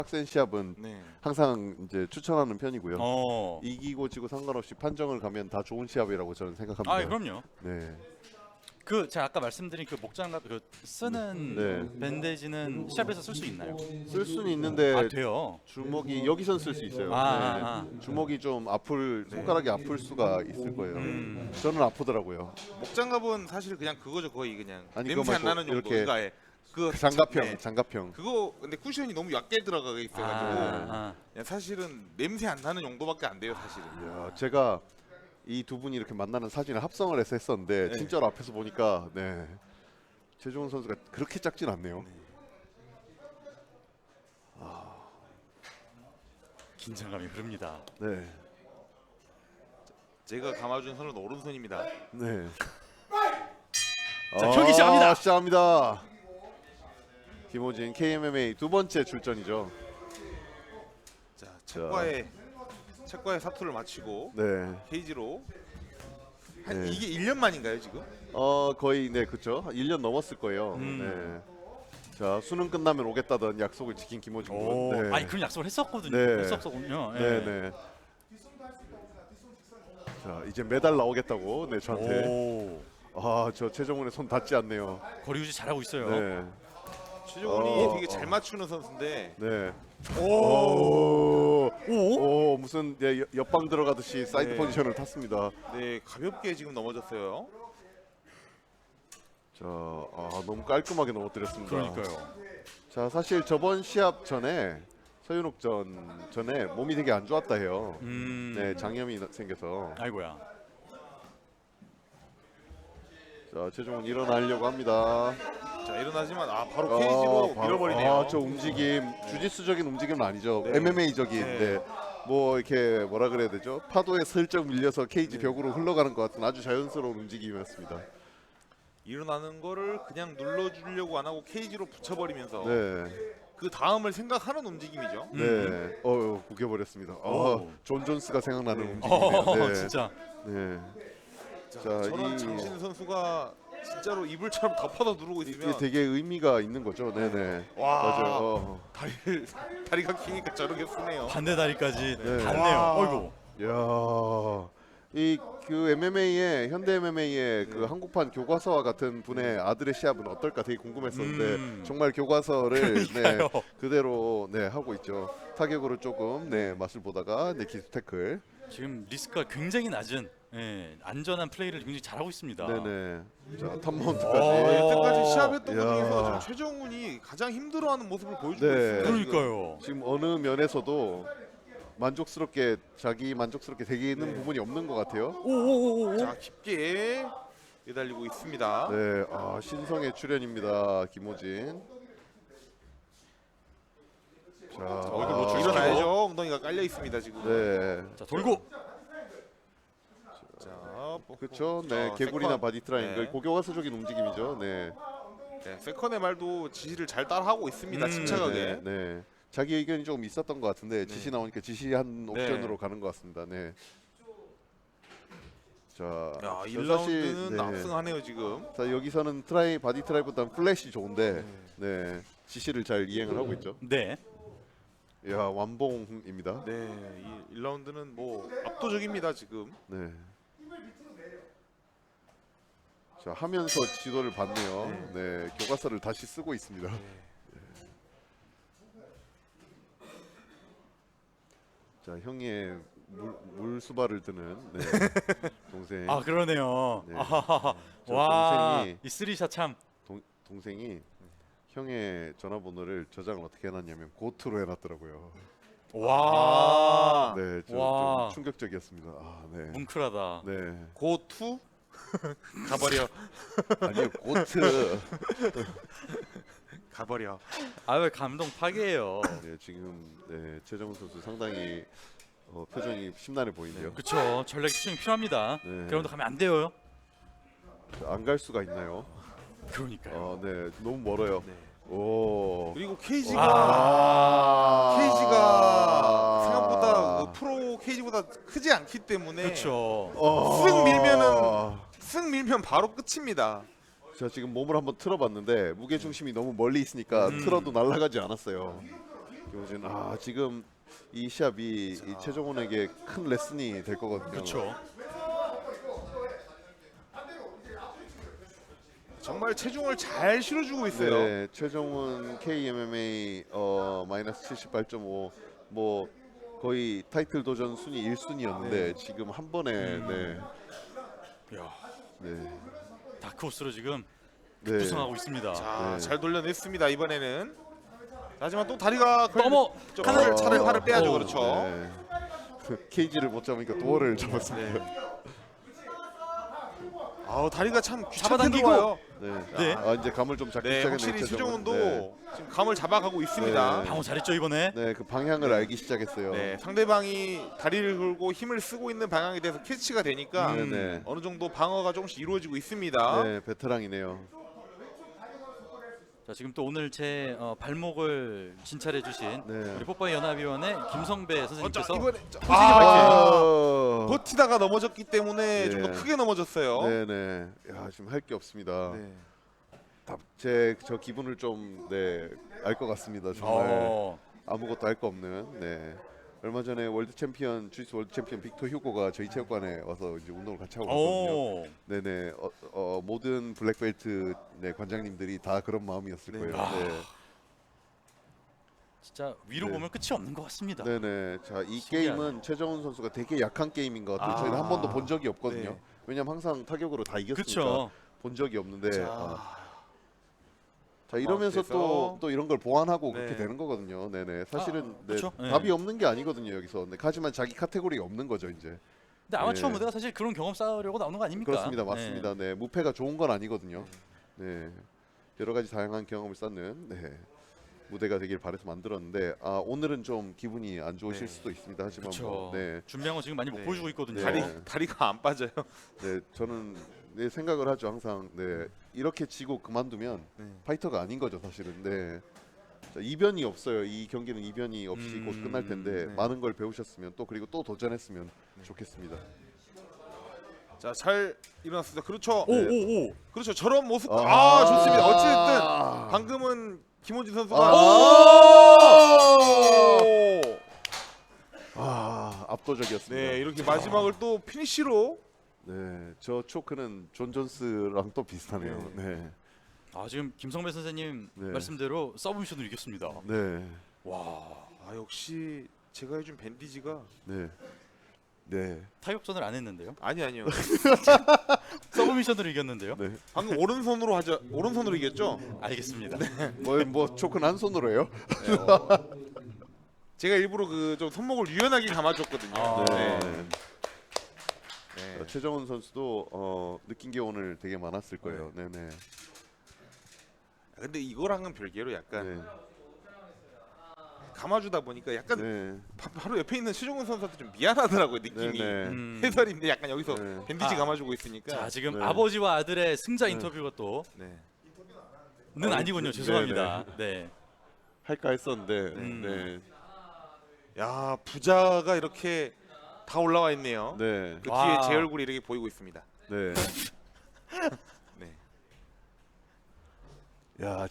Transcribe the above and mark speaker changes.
Speaker 1: 빡센 시합은
Speaker 2: 네.
Speaker 1: 항상 이제 추천하는 편이고요.
Speaker 3: 어.
Speaker 1: 이기고 지고 상관없이 판정을 가면 다 좋은 시합이라고 저는 생각합니다.
Speaker 3: 아, 그럼요.
Speaker 1: 네.
Speaker 3: 그 제가 아까 말씀드린 그 목장갑 그 쓰는
Speaker 1: 네.
Speaker 3: 밴데지는 시합에서 쓸 수 있나요?
Speaker 1: 쓸 수는 있는데
Speaker 3: 아, 돼요.
Speaker 1: 주먹이 여기선 쓸 수 있어요.
Speaker 3: 아,
Speaker 1: 네. 주먹이 좀 아플 손가락이 아플 수가 있을 거예요. 저는 아프더라고요.
Speaker 2: 목장갑은 사실 그냥 그거죠. 거의 그냥
Speaker 1: 아니,
Speaker 2: 냄새
Speaker 1: 그거
Speaker 2: 안
Speaker 1: 말고
Speaker 2: 나는 정도.
Speaker 1: 이렇게
Speaker 2: 그러니까 예. 그
Speaker 1: 장갑형,
Speaker 2: 네.
Speaker 1: 장갑형.
Speaker 2: 그거 근데 쿠션이 너무 얕게 들어가 있어가지고
Speaker 3: 아.
Speaker 2: 그냥 사실은 냄새 안 나는 용도밖에 안 돼요, 사실은.
Speaker 1: 이야, 제가 이 두 분이 이렇게 만나는 사진을 합성을 해서 했었는데
Speaker 2: 네.
Speaker 1: 진짜로 앞에서 보니까 네. 최종훈 선수가 그렇게 작진 않네요.
Speaker 3: 긴장감이 흐릅니다.
Speaker 1: 네.
Speaker 2: 제가 감아준 선은 오른손입니다.
Speaker 1: 네.
Speaker 3: 자, 경기 시작합니다.
Speaker 1: 시작합니다. 김호진 KMMA 두 번째 출전이죠.
Speaker 2: 자, 책과의 사투를 마치고
Speaker 1: 네.
Speaker 2: 케이지로 한
Speaker 1: 네.
Speaker 2: 이게 1년 만인가요, 지금?
Speaker 1: 거의 네, 그렇죠. 1년 넘었을 거예요. 네. 자, 수능 끝나면 오겠다던 약속을 지킨 김호진
Speaker 3: 오.
Speaker 1: 군. 네.
Speaker 3: 아니, 그런 약속을 했었거든요.
Speaker 1: 네.
Speaker 3: 했었거든요.
Speaker 1: 네, 네. 자, 이제 메달 나오겠다고. 네, 저한테.
Speaker 3: 오.
Speaker 1: 아, 저 최정훈의 손 닿지 않네요.
Speaker 3: 거리 유지 잘하고 있어요.
Speaker 1: 네.
Speaker 2: 최종훈이 되게 잘 맞추는 선수인데
Speaker 1: 네.
Speaker 3: 오.
Speaker 1: 오, 무슨 네, 옆방 들어가듯이 사이드
Speaker 2: 네.
Speaker 1: 포지션을 탔습니다.
Speaker 2: 네, 가볍게 지금 넘어졌어요.
Speaker 1: 자, 너무 깔끔하게 넘어뜨렸습니다.
Speaker 3: 그러니까요.
Speaker 1: 자, 사실 저번 시합 전에 서윤옥전 전에 몸이 되게 안 좋았다 해요. 네, 장염이 생겨서.
Speaker 3: 아이고야.
Speaker 1: 자, 최종훈 일어나려고 합니다.
Speaker 2: 자, 일어나지만 바로 케이지로 밀어버리네요.
Speaker 1: 저 움직임, 주짓수적인 움직임은 아니죠.
Speaker 2: 네.
Speaker 1: MMA적인.
Speaker 2: 네.
Speaker 1: 네. 뭐 이렇게 뭐라 그래야 되죠? 파도에 슬쩍 밀려서 케이지 벽으로 흘러가는 것 같은 아주 자연스러운 움직임이었습니다.
Speaker 2: 일어나는 거를 그냥 눌러주려고 안 하고 케이지로 붙여버리면서
Speaker 1: 네,
Speaker 2: 그 다음을 생각하는 움직임이죠.
Speaker 1: 네. 구겨버렸습니다.
Speaker 3: 오.
Speaker 1: 존 존스가 생각나는 움직임이네요. 네.
Speaker 3: 진짜.
Speaker 1: 네.
Speaker 2: 자,
Speaker 1: 자,
Speaker 2: 저런 장신 선수가 진짜로 이불처럼 덮어서 누르고
Speaker 1: 이게
Speaker 2: 있으면
Speaker 1: 되게 의미가 있는 거죠. 네네.
Speaker 2: 와.
Speaker 1: 맞아요.
Speaker 2: 다리가 기니까 저렇게 쓰네요.
Speaker 3: 반대 다리까지
Speaker 1: 네.
Speaker 3: 닿네요.
Speaker 2: 와.
Speaker 3: 어이구.
Speaker 1: 야, 이 그 MMA의 현대 MMA의 그 한국판 교과서와 같은 분의 아들의 시합은 어떨까 되게 궁금했었는데 정말 교과서를
Speaker 3: 그러니까요.
Speaker 1: 그대로 하고 있죠. 타격으로 조금 맛을 보다가 기습 태클.
Speaker 3: 지금 리스크가 굉장히 낮은 안전한 플레이를 굉장히 잘하고 있습니다.
Speaker 1: 네네. 자, 탑
Speaker 3: 오.
Speaker 1: 마운트까지.
Speaker 2: 여태까지 시합했던 것
Speaker 1: 야.
Speaker 2: 중에서 지금 최정훈이 가장 힘들어하는 모습을 보여주고
Speaker 1: 네.
Speaker 2: 있습니다.
Speaker 3: 그러니까요.
Speaker 1: 지금 어느 면에서도 자기 만족스럽게 되게 있는 부분이 없는 것 같아요.
Speaker 3: 오오오오.
Speaker 2: 자, 깊게 매달리고 있습니다.
Speaker 1: 네, 신성의 출연입니다, 김호진. 자,
Speaker 3: 얼굴 노출
Speaker 2: 일어나야죠. 엉덩이가 깔려 있습니다 지금.
Speaker 1: 네,
Speaker 3: 자, 돌고.
Speaker 2: 자,
Speaker 1: 그렇죠. 네, 개구리나
Speaker 2: 세컨.
Speaker 1: 바디 트라이앵글,
Speaker 2: 네.
Speaker 1: 고교과서적인 움직임이죠. 네,
Speaker 2: 네, 세컨의 말도 지시를 잘 따라하고 있습니다. 침착하게.
Speaker 1: 네. 자기 의견이 조금 있었던 것 같은데 지시 나오니까 지시한 옵션으로 가는 것 같습니다. 네. 자,
Speaker 2: 야,
Speaker 1: 사실,
Speaker 2: 1라운드는 압승하네요 지금.
Speaker 1: 자, 여기서는 바디 트라이보다는 플래시 좋은데, 네, 지시를 잘 이행을 하고 있죠.
Speaker 3: 네.
Speaker 1: 야, 완봉입니다.
Speaker 2: 네, 이 1라운드는 뭐 압도적입니다 지금.
Speaker 1: 네. 자, 하면서 지도를 받네요. 네, 교과서를 다시 쓰고 있습니다. 자, 형의 물수발을 드는 동생.
Speaker 3: 아, 그러네요.
Speaker 1: 네.
Speaker 3: 아하하.
Speaker 1: 저
Speaker 3: 와,
Speaker 1: 동생이-
Speaker 3: 이 쓰리샷 참.
Speaker 1: 동생이 형의 전화번호를 저장을 어떻게 해놨냐면 고투로 해놨더라고요.
Speaker 3: 와.
Speaker 1: 네,
Speaker 3: 와.
Speaker 1: 좀 충격적이었습니다. 네.
Speaker 3: 뭉클하다.
Speaker 1: 네.
Speaker 2: 고투 가버려.
Speaker 1: 아니요, 고트.
Speaker 2: 가버려.
Speaker 3: 아, 왜 감동 파괴예요.
Speaker 1: 네, 지금 최정훈 선수 상당히 표정이 심란해 보이네요.
Speaker 3: 그렇죠. 전략 집중이 필요합니다.
Speaker 1: 네.
Speaker 3: 그런데 가면 안 돼요.
Speaker 1: 안 갈 수가 있나요?
Speaker 3: 그러니까요.
Speaker 1: 네, 너무 멀어요.
Speaker 2: 네.
Speaker 1: 오.
Speaker 2: 그리고 케이지가
Speaker 1: 아.
Speaker 2: 생각보다 그 프로 케이지보다 크지 않기 때문에
Speaker 3: 그렇죠.
Speaker 2: 쓱 밀면 바로 끝입니다.
Speaker 1: 자, 지금 몸을 한번 틀어봤는데 무게 중심이 너무 멀리 있으니까 틀어도 날아가지 않았어요. 김호준 지금 이 시합이 이 최정훈에게 큰 레슨이 될 거거든요.
Speaker 3: 그렇죠.
Speaker 2: 정말 체중을 잘 실어주고 있어요.
Speaker 1: 네, 최정훈 KMMA 마이너스 78.5 뭐 거의 타이틀 도전 순위 1순위였는데 지금 한 번에
Speaker 3: 야,
Speaker 1: 네.
Speaker 3: 다크호스로 지금
Speaker 1: 네.
Speaker 3: 구성하고 있습니다.
Speaker 2: 자,
Speaker 1: 네.
Speaker 2: 잘 돌려냈습니다 이번에는. 하지만 또 다리가
Speaker 3: 넘어
Speaker 2: 좀
Speaker 3: 하나
Speaker 2: 팔을 빼야죠.
Speaker 3: 오,
Speaker 2: 그렇죠.
Speaker 1: 네. 케이지를 못 잡으니까 도어를 잡았습니다.
Speaker 3: 네.
Speaker 2: 다리가 참 귀찮게
Speaker 3: 잡아당기고.
Speaker 2: 들어와요.
Speaker 1: 네.
Speaker 3: 네.
Speaker 1: 이제 감을 좀 잡기
Speaker 2: 네,
Speaker 1: 시작했네요.
Speaker 2: 확실히 최정훈도
Speaker 1: 네.
Speaker 2: 지금 감을 잡아가고 있습니다.
Speaker 1: 네.
Speaker 3: 방어 잘했죠 이번에.
Speaker 1: 네, 그 방향을 알기 시작했어요.
Speaker 2: 네, 상대방이 다리를 걸고 힘을 쓰고 있는 방향에 대해서 캐치가 되니까
Speaker 1: 네.
Speaker 2: 어느 정도 방어가 조금씩 이루어지고 있습니다.
Speaker 1: 네, 베테랑이네요.
Speaker 3: 자 지금 또 오늘 제 발목을 진찰해주신
Speaker 1: 네.
Speaker 3: 우리 뽀빠이 연합위원회 김성배
Speaker 2: 자,
Speaker 3: 선생님께서
Speaker 2: 이번에
Speaker 1: 아,
Speaker 2: 버티다가 넘어졌기 때문에 좀 더
Speaker 1: 네.
Speaker 2: 크게 넘어졌어요.
Speaker 1: 네네. 야, 지금 할 게 없습니다.
Speaker 2: 네.
Speaker 1: 저 기분을 좀 알 것 같습니다. 정말 아무것도 할 거 없는. 네. 얼마 전에 월드 챔피언 주짓수 월드 챔피언 빅터 휴고가 저희 체육관에 와서 이제 운동을 같이 하고 있거든요.
Speaker 3: 오.
Speaker 1: 네네. 모든 블랙벨트 관장님들이 다 그런 마음이었을
Speaker 2: 네.
Speaker 1: 거예요.
Speaker 3: 아.
Speaker 1: 네.
Speaker 3: 진짜 위로
Speaker 1: 네.
Speaker 3: 보면 끝이 없는 것 같습니다.
Speaker 1: 네네. 자, 이
Speaker 3: 신기하네.
Speaker 1: 게임은 최정훈 선수가 되게 약한 게임인 것 같아요. 저희는 한 번도 본 적이 없거든요.
Speaker 2: 네.
Speaker 1: 왜냐면 항상 타격으로 다 이겼으니까
Speaker 3: 그렇죠.
Speaker 1: 본 적이 없는데.
Speaker 2: 자,
Speaker 1: 자 이러면서
Speaker 2: 그래서-
Speaker 1: 또 이런 걸 보완하고
Speaker 2: 네.
Speaker 1: 그렇게 되는 거거든요. 네네. 사실은
Speaker 3: 그렇죠. 네.
Speaker 1: 답이 없는 게 아니거든요 여기서. 네, 하지만 자기 카테고리가 없는 거죠 이제.
Speaker 3: 근데 아마추어
Speaker 1: 네.
Speaker 3: 무대가 사실 그런 경험 쌓으려고 나오는 거 아닙니까?
Speaker 1: 그렇습니다, 맞습니다. 네, 무패가 좋은 건 아니거든요. 네, 여러 가지 다양한 경험을 쌓는 무대가 되길 바래서 만들었는데 오늘은 좀 기분이 안 좋으실
Speaker 2: 네.
Speaker 1: 수도 있습니다. 하지만
Speaker 3: 그렇죠.
Speaker 1: 뭐, 네,
Speaker 3: 준비한 거 지금 많이 못
Speaker 2: 네.
Speaker 3: 보여주고 있거든요.
Speaker 1: 네.
Speaker 2: 다리가 안 빠져요.
Speaker 1: 네, 저는 생각을 하죠 항상. 네, 이렇게 지고 그만두면
Speaker 2: 네.
Speaker 1: 파이터가 아닌 거죠 사실은. 네. 자, 이변이 없어요. 이 경기는 이변이 없이 곧 끝날 텐데
Speaker 2: 네.
Speaker 1: 많은 걸 배우셨으면 또 그리고 또 도전했으면 좋겠습니다.
Speaker 2: 자, 잘 일어났습니다. 그렇죠.
Speaker 3: 오오오.
Speaker 2: 그렇죠. 저런 모습.
Speaker 1: 아.
Speaker 2: 좋습니다. 어찌됐든 방금은 김원진 선수가
Speaker 1: 압도적이었습니다.
Speaker 2: 네, 이렇게 마지막을 또 피니시로
Speaker 1: 네, 저 초크는 존 존스랑 또 비슷하네요. 네,
Speaker 3: 지금 김성배 선생님
Speaker 1: 네.
Speaker 3: 말씀대로 서브미션으로 이겼습니다.
Speaker 1: 네,
Speaker 3: 와.
Speaker 2: 역시 제가 해준 밴디지가
Speaker 1: 네, 네,
Speaker 3: 타격전을 안 했는데요.
Speaker 2: 아니요.
Speaker 3: 서브미션으로 이겼는데요.
Speaker 1: 네.
Speaker 2: 방금 오른손으로 이겼죠?
Speaker 3: 알겠습니다.
Speaker 1: 뭐 초크는 한 손으로 해요?
Speaker 2: 제가 일부러 그 좀 손목을 유연하게 감아줬거든요.
Speaker 3: 네.
Speaker 2: 네.
Speaker 1: 최정훈 선수도 느낀 게 오늘 되게 많았을 거예요. 네, 네,
Speaker 2: 근데 이거랑은 별개로 약간
Speaker 1: 네,
Speaker 2: 감아주다 보니까 약간
Speaker 1: 네,
Speaker 2: 바로 옆에 있는 최종훈 선수한테 좀 미안하더라고요 느낌이.
Speaker 1: 네.
Speaker 2: 해설인데 약간 여기서
Speaker 1: 네.
Speaker 2: 밴디지 감아주고 있으니까.
Speaker 3: 자 지금
Speaker 1: 네.
Speaker 3: 아버지와 아들의 승자 인터뷰가 또는
Speaker 2: 네.
Speaker 3: 아니군요. 죄송합니다. 네.
Speaker 1: 할까 했었는데,
Speaker 3: 네.
Speaker 1: 네,
Speaker 2: 부자가 이렇게 다 올라와 있네요.
Speaker 1: 네,
Speaker 2: 그
Speaker 3: 와.
Speaker 2: 뒤에 제 얼굴이 이렇게 보이고 있습니다.
Speaker 1: 네.
Speaker 2: 네.
Speaker 1: 야.